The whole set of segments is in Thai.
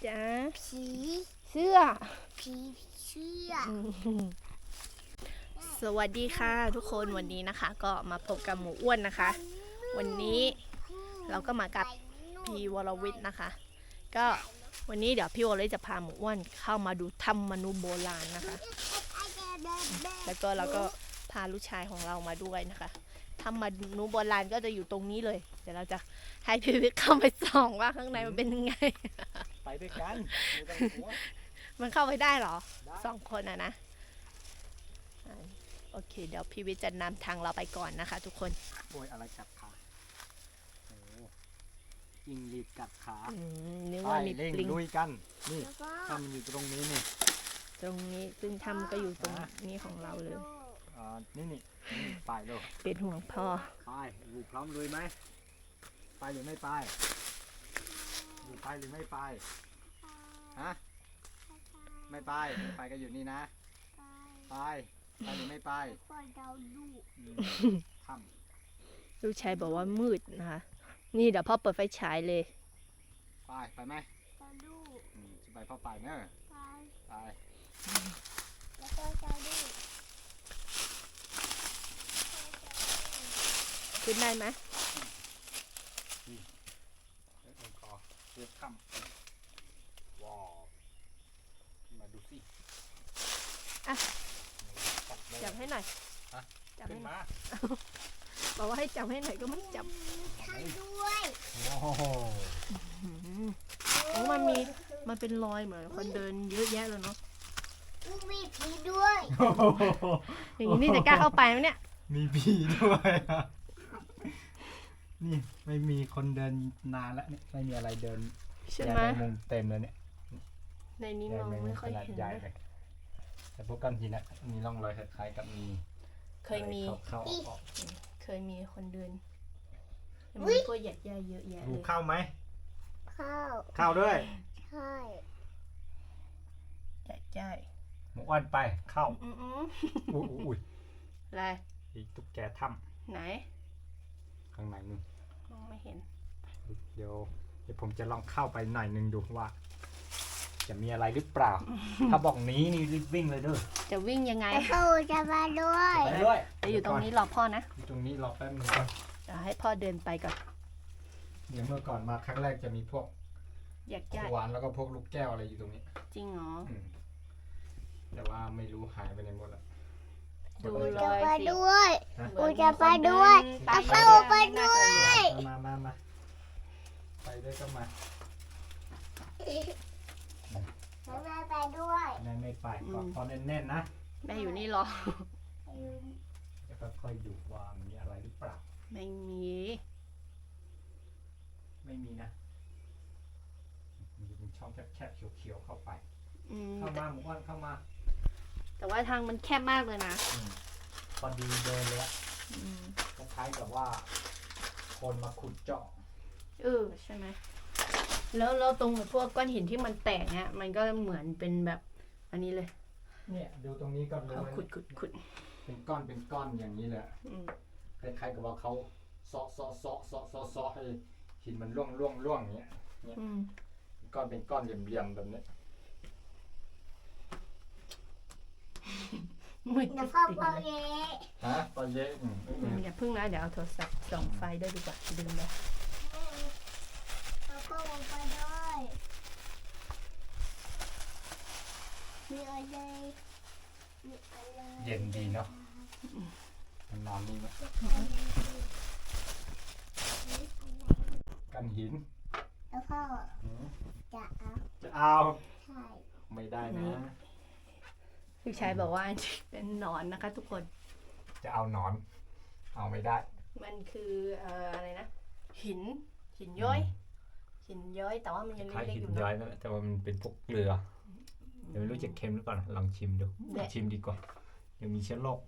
จ๊ะผีเสื้อผีเชื่อสวัสดีค่ะทุกคนวันนี้นะคะก็มาพบกับหมูอ้วนนะคะ วันนี้เราก็มากับพี่วรวิทย์นะคะ ก็วันนี้เดี๋ยวพี่วรวิทย์จะพาหมูอ้วนเข้ามาดูถ้ำมนุษย์โบราณนะคะ แล้วก็เราก็พาลูกชายของเรามาด้วยนะคะถ้ำมนุษย์โบราณก็จะอยู่ตรงนี้เลย เดี๋ยวเราจะให้พี่วิทย์เข้าไปส่องว่าข้างในมันเป็นยังไงไปด้วยกันมันเข้าไปได้เหรอ2 คนนะโอเคเดี๋ยวพี่วิทย์จะนำทางเราไปก่อนนะคะทุกคนโอ้ยอะไรกัดขาโอ้ยิงรีดกัดขานึกไปว่ามีเร่งปลิงลุยกันนี่ถ้ามันอยู่ตรงนี้นี่ตรงนี้ซึ่งถ้ำก็อยู่ตรงนี้ของเราเลยนี่ไปเลยเป็นห่วงพ่อไปอยู่พร้อมลุยไหมไปหรือไม่ไปอยู่ไปหรือไม่ไปฮะไม่ไปก็อยู่นี่นะไปหรือไม่ไปทำลูกชายบอกว่ามืดนะคะนี่เดี๋ยวพ่อเปิดไฟฉายเลยไปไหมจะไปพ่อไปเนอะไปขึ้นได้ไหมเรียกค่ำว้าวมาดูสิจับให้หน่อยฮะจับขึ้ให้นหน่อยมาบอกว่าให้จับให้หน่อยก็ไม่จับด้วยโอ้โหโอ้มันเป็นรอยเหมือนคนเดินเยอะแยะเลยเนาะมีผีด้วยอย่างนี้นี่จะกล้าเข้าไปไหมเนี่ยมีผีด้วยอะนี่ไม่มีคนเดินนานแล้วเนี่ยไม่มีอะไรเดินใช่แย่ไหมในมุมเต็มเลยเนี่ยในนี้แย่มองในมุไม่มค่อยขนาดเห็นใหญ่นะเลยแต่พวกก้อนหินนะมีร่องรอยคล้ายๆกับมีเคยมีเข้าออกเคยมีคนเดินแต่มันก็แยกแยะเยอะแยะดูเลยเข้าไหมข้าวเข้าด้วยใช่แยกแยะหมูอ้วนไปเข้าอืมอุ้ยอะไรอีกตุ๊กแกถ้ไหนำข้างในนู่นมองไม่เห็นเดี๋ยวผมจะลองเข้าไปหน่อยนึงดูว่า จะมีอะไรหรือเปล่า ถ้าบอกหนี้นี่รีบวิ่งเลยเด้อจะวิ่งยังไงแล้วก็จะมาด้วยไปด้วยจะอยู่ตรงนี้รอพ่อนะอยู่ตรงนี้รอแป๊บนึงก่อนเดี๋ยวให้พ่อเดินไปก่อนเดี๋ยวเมื่อก่อนมาครั้งแรกจะมีพวกแยกขแยะวานแล้วก็พวกลูกแก้วอะไรอยู่ตรงนี้จริงเหรออืมแต่ว่าไม่รู้หายไปไหนหมดละดูคนเลละจะยมาสิด้วยเหมือนจะไปด้วยมีคนเนเอาเข้าไปด้วยมาไปด้วยก็มาแล้วแม่ไปด้วยแม่ไม่ไปก็พอแน่นๆนะแม่อยู่นี่รอแล้วก็ค่อยดูว่ามีอะไรหรือเปล่าไม่มีไม่มีนะมีเป็นช่องแคบๆเขียวๆเข้าไปอืมเข้ามาหมู่บ้านเข้ามาแต่ว่าทางมันแคบมากเลยนะพอดีเดินเลยอะอืมคล้ายๆกับว่าคนมาขุดเจาะใช่ไหมแล้วตรงพวกก้อนหินที่มันแตกเนี่ยมันก็เหมือนเป็นแบบอันนี้เลยเนี่ยดูตรงนี้ก็รู้เขาว่าขุดเป็นก้อนอย่างนี้เลยอะอืมคล้ายๆกับว่าเขาเซาะให้หินมันร่วงอย่างเงี้ยอืมก้อนเป็นก้อนเหลี่ยมๆแบบนี้มืดเดี๋ยวจพ่อริงพ่อๆเลยเย้ฮะตอนเย็นอย่าพึ่งนะเดี๋ยวเอาโทรศัพท์ส่องไฟด้วยดีกว่าดึงเลยแล้วก็ลงไปด้วยมีอะไรมีอะไรเย็นดีเนาะมันนอนนี่ไหมกันหินแล้วพ่อหืมจะเอาจะเอาใช่ไม่ได้นะลูกชายบอกว่าเป็นหนอนนะคะ ทุกคนจะเอาหนอน เอาไม่ได้มันคืออะไรนะหินย้อยแต่ว่ามันยังคล้ายเล็กหิๆนอยู่ย้อเนาะยนั่นแหละแต่ว่ามันเป็นพวกเกลือเดี๋ยวไม่รู้จะเค็มหรือเปล่านะลองชิมดูแดะชิมดีกว่ายังมีเชื้อโรค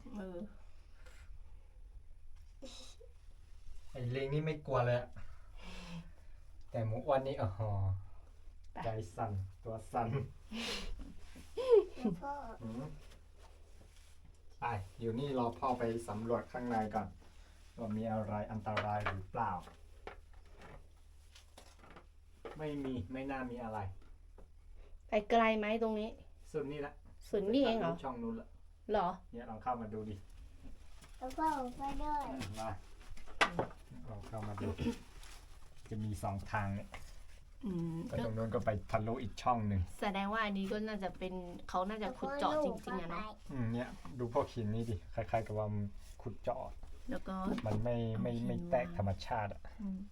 ไอ้ลิงนี่ไม่กลัวเลยอะแต่หมูอ้วนนี่อ๋อใจสั่นตัวสั่นแล้วพ่อหืมไปอยู่นี่รอพ่อไปสำรวจข้างในก่อนว่ามีอะไรอันตรายหรือเปล่า ไม่น่ามีอะไรไปไกลไหมตรงนี้สุดนี่ละสุดนี่เองเหรอช่องนู้นละเหรอเนี่ยลองเข้ามาดูดิแล้วก็ออกไปด้วยมาลองเข้ามาดู จะมี2 ทางเนี่ยอืมก็ตรงนู้นก็ไปทะลุอีกช่องหนึ่งแสดงว่าอันนี้ก็น่าจะเป็นเขาน่าจะขุดเจาะจริงๆอะเนาะเนี่ยดูพวกหินนี่ดิคล้ายๆกับว่ามันขุดเจาะแล้วก็มันไม่แตกธรรมชาติอ่ะอืม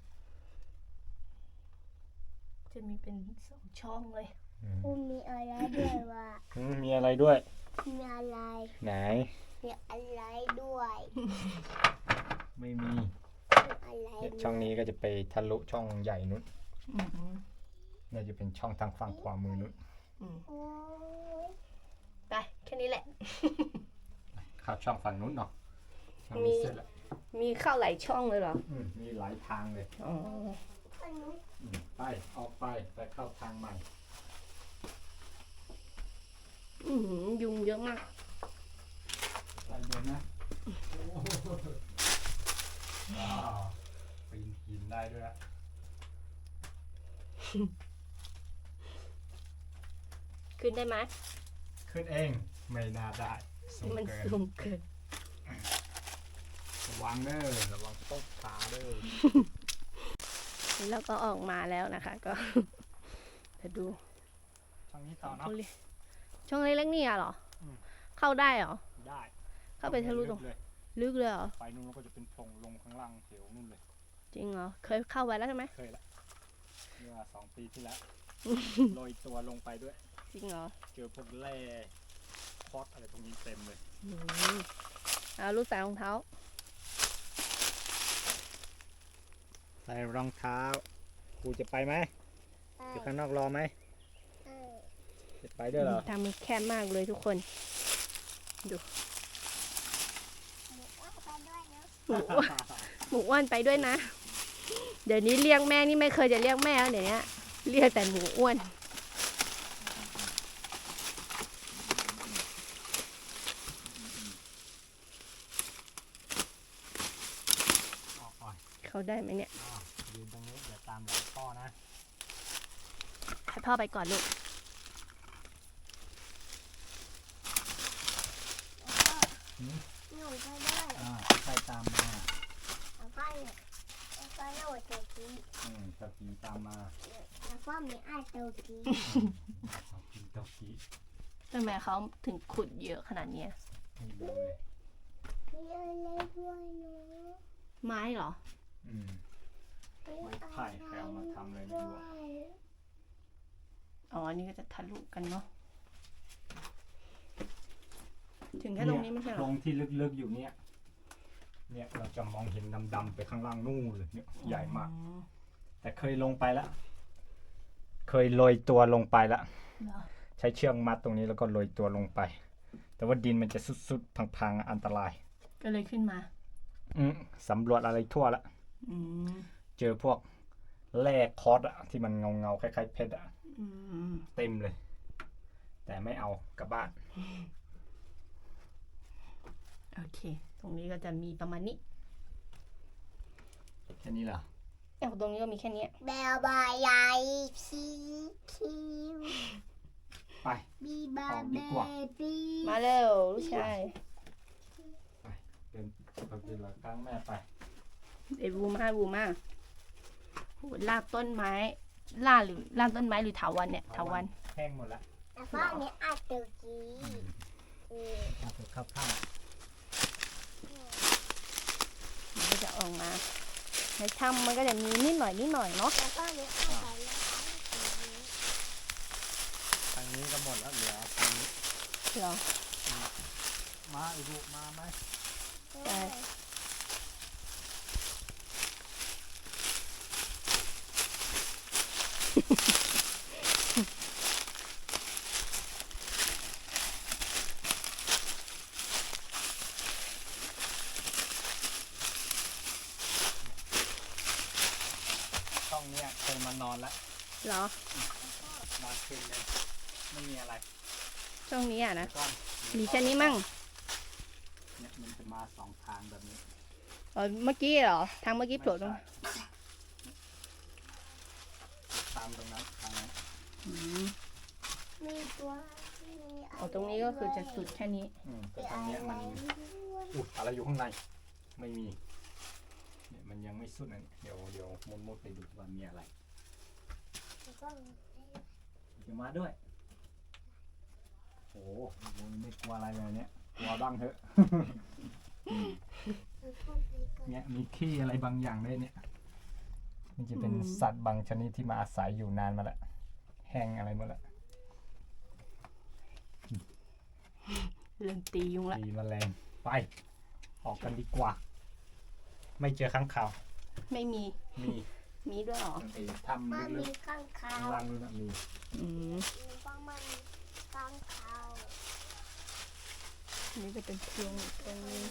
จะมีเป็น2 ช่องเลยอุ้มมีอะไรด้วยวะมีอะไรด้วยมีอะไรไหนมีอะไรด้วยไม่มีมีอะไรเนี่ยช่องนี้ก็จะไปทะลุช่องใหญ่นู้นอืมน่าจะเป็นช่องทางฝั่งขวามือนู้นอืมโอ้ยไปแค่นี้แหละเข้าช่องฝั่งนู้นเนาะฝั่งมีนี้เสร็จแล้วมีเข้าหลายช่องเลยเหรอมีหลายทางเลยอ๋ออันนู้นไปออกไปเข้าทางใหม่ยุงเยอะมากไปเดินนะว้าวปีนหินได้ด้วยอะขึ้นได้ไหมขึ้นเองไม่น่าได้สูงมันเกินสูงเกินระวังเด้อระวังตกขาเด้อแล้วก็ออกมาแล้วนะคะ ก็ จะดูช่องนี้ต่อเนาะช่องเล็กๆนี่อะเหรออืมเข้าได้เหรอได้เข้าไปทะลุตรงเลยลึกเลยเหรอไปนู่นแล้วก็จะเป็นโพรงลงข้างล่างเหวนู่นเลยจริงเหรอ เคยเข้าไปแล้วใช่ไหมเคยละเมื่อ2 ปีที่แล้ว โรยตัวลงไปด้วยจริงเหรอเจอพวกแร่คอสอะไรตรงนี้เต็มเลยอืมเอาลูกใส่รองเท้าใส่รองเท้ากูจะไปไหมไปอยู่ข้างนอกรอไหมเออจะไปด้วยเหรอทางมันแคบมากเลยทุกคนหนูว่าไปด้วยนะหมูอ้วนไปด้วยนะ เดี๋ยวนี้เรียกแม่นี่ไม่เคยจะเรียกแม่แล้วเดี๋ยวนี้เรียกแต่หมูอ้วนออกก่อนเขาได้ไหมเนี่ยยืนตรงนี้เดี๋ยวตามหลังพ่อนะให้พ่อไปก่อนลูกหนูไปด้วยใครตามมาแล้วก็เนี่ยแล้วก็โหลดตัวกี้ตะกี้ตามมาแล้วก็มีไอ้ตัวกี้ตะกี้ทำไมเขาถึงขุดเยอะขนาดเนี้ยไม่รู้เลยมีอะไรด้วยนะไม้เหรอไม้ไผ่ใครเอามาทำอะไรไม่รู้อะอ๋อ อันนี้ก็จะทะลุกันเนาะ ถึงแค่ตรงนี้ไม่ใช่เหรตรองที่ลึกๆอยู่เนี่ยเราจะมองเห็นดำๆไปข้างล่างนู่นเลยเนี่ยใหญ่มากอ๋อแต่เคยลงไปแล้ว เคยโรยตัวลงไปแล้วเหรอใช้เชือกมัดตรงนี้แล้วก็โรยตัวลงไป แต่ว่าดินมันจะสุดๆพังๆอันตรายก็เลยขึ้นมาสำรวจอะไรทั่วละอืมเจอพวกแร่คอสอะที่มันเงาๆคล้ายๆเพชรอะอืมเต็มเลย แต่ไม่เอากลับบ้านโอเค ตรงนี้ก็จะมีประมาณนี้แค่นี้เหรอตรงนี้ก็มีแค่เนี้ยแบลบายใหญ่คิวไปบีบาออกเบดีกว่าบี้มาเร็วลูกชายเดินไปเป็นหลังตั้งแม่ไปเดี๋ยวบูมาโหลากต้นไม้ล่ากต้นไม้หรือเถาวัลย์เนี่ยเถาวัลย์แห้งหมดละแล้วก็มีไอ้ตัวกี้เออเอาไปเข้าข้างมันก็จะออกมา ในถ้ำมันก็จะมีนิดหน่อยเนาะแล้วก็มีไอ้ตัวนี้ทางนี้ก็หมดแล้วเหลือทางนี้เหรอมาอีกลูกมาไหมใช่ช่องเนี้ยเคยมานอนแล้วเหรอนอนคืนเลยไม่มีอะไรช่วงนี้อ่ะนะก็มีแค่นี้มั่งเนี่ยมันจะมาสองทางแบบนี้อ๋อเมื่อกี้เหรอ ทางเมื่อกี้โผล่ตรงไม่ใช่ตามตรงนั้นทางนั้นอืมมีตัวมีอ๋อตรงนี้ก็คือจะสุดแค่นี้แต่ทางเนี้ยมันอะไรอยู่ข้างในไม่มีเนี่ยมันยังไม่สุดนะเดี๋ยวมุดไปดูว่ามีอะไรเดี๋ยวมาด้วยโอ้โหไม่กลัวอะไรเลยเนี่ยกลัวบ้างเถอะ เนี่ยมีขี้อะไรบางอย่างด้วยเนี่ยมันจะเป็นสัตว์บางชนิดที่มาอาศัยอยู่นานมาแล้วแห้งอะไรหมดแล้วเริ่มตียุงละตีแมลงไปออกกันดีกว่า ไม่เจอข้างข่าวไม่มี มีด้วยเหรอไอ้ทำมันลึมีกข้างๆคาข้างวล่างนู่นนะมีอืมมีบ้างมันข้างคาวอันนี้จะเป็นเพียงตรงนี้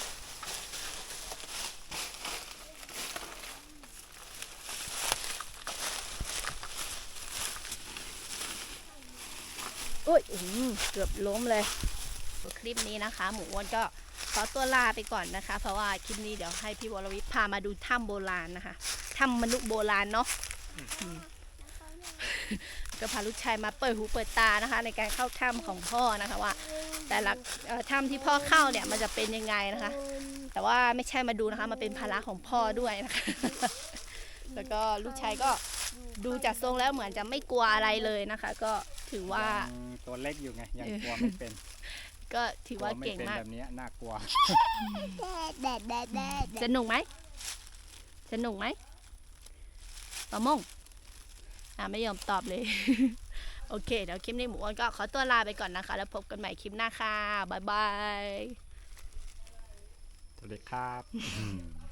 อุ้ยเกือบล้มเลยคลิปนี้นะคะ หมูอ้วนก็ขอตัวลาไปก่อนนะคะ เพราะว่าคลิปนี้เดี๋ยวให้พี่วรวิทย์พามาดูถ้ำโบราณนะคะถ้ำมนุษย์โบราณเนาะก็พาลูกชายมาเปิดหูเปิดตานะคะ ในการเข้าถ้ำของพ่อนะคะว่า แต่ละถ้ำที่พ่อเข้าเนี่ยมันจะเป็นยังไงนะคะ แต่ว่าไม่ใช่มาดูนะคะมาเป็นภาระของพ่อด้วยนะคะ แล้วก็ลูกชายก็ดูจากทรงแล้วเหมือนจะไม่กลัวอะไรเลยนะคะ ก็ถือว่ายังตัวเล็กอยู่ไงยังกลัวไม่เป็นก็ถือว่าเก่งมากแบบนี้น่ากลัวแดดสนุกไหมสนุกไหมปะมงไม่ยอมตอบเลย โอเคเดี๋ยวคลิปนี้หมูอ้วนก็ขอตัวลาไปก่อนนะคะ แล้วพบกันใหม่คลิปหน้าค่ะบ๊ายบายสวัสดีครับ